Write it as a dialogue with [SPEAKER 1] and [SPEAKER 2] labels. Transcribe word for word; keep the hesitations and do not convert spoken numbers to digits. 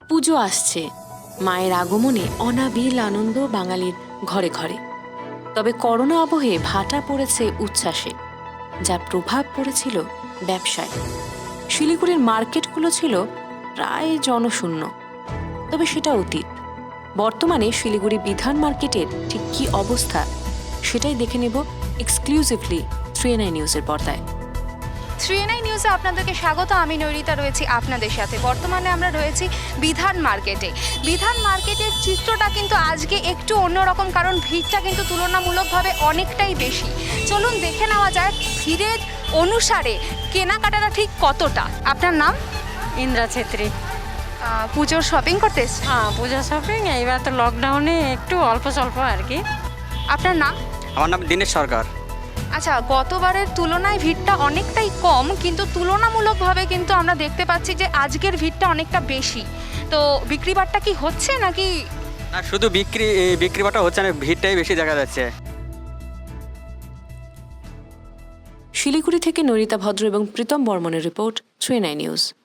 [SPEAKER 1] পুজো আসছে, মায়ের আগমনে অনাবিল আনন্দ বাঙালির ঘরে ঘরে। তবে করোনা আবহে ভাটা পড়েছে উচ্ছ্বাসে, যার প্রভাব পড়েছিল ব্যবসায়। শিলিগুড়ির মার্কেটগুলো ছিল প্রায় জনশূন্য, তবে সেটা অতীত। বর্তমানে শিলিগুড়ি বিধান মার্কেটের ঠিক কী অবস্থা সেটাই দেখে নেব এক্সক্লুসিভলি থ্রি এন আই নিউজের পর্দায়।
[SPEAKER 2] থ্রি এন আই নিউজে আপনাদেরকে স্বাগত। আমি নৈরিতা রয়েছি আপনাদের সাথে। বর্তমানে আমরা রয়েছি বিধান মার্কেটে। বিধান মার্কেটের চিত্রটা কিন্তু আজকে একটু অন্যরকম, কারণ ভিড়টা কিন্তু তুলনামূলকভাবে অনেকটাই বেশি। চলুন দেখে নেওয়া যায় ভিড়ের অনুসারে কেনাকাটাটা ঠিক কতটা। আপনার নাম?
[SPEAKER 3] ইন্দ্রা ছেত্রী।
[SPEAKER 2] আহ, পুজোর শপিং করতে এসেছেন?
[SPEAKER 3] হ্যাঁ, পূজা শপিং এইবার তো লকডাউনে একটু অল্প স্বল্প আর কি।
[SPEAKER 2] আপনার নাম?
[SPEAKER 4] আমার নাম দীনেশ সরকার।
[SPEAKER 2] আচ্ছা, গতবারের তুলনায় ভিড়টা অনেকটাই কম, কিন্তু তুলনামূলকভাবে কিন্তু আমরা দেখতে পাচ্ছি যে আজকের ভিড়টা অনেকটা বেশি। তো বিক্রি বাট্টা কি হচ্ছে নাকি?
[SPEAKER 4] না, শুধু বিক্রি বিক্রি বাটা হচ্ছে না, ভিড়টাই বেশি দেখা যাচ্ছে।
[SPEAKER 1] শিলিগুড়ি থেকে নৈরিতা ভদ্র এবং প্রীতম বর্মনের report, three N I news.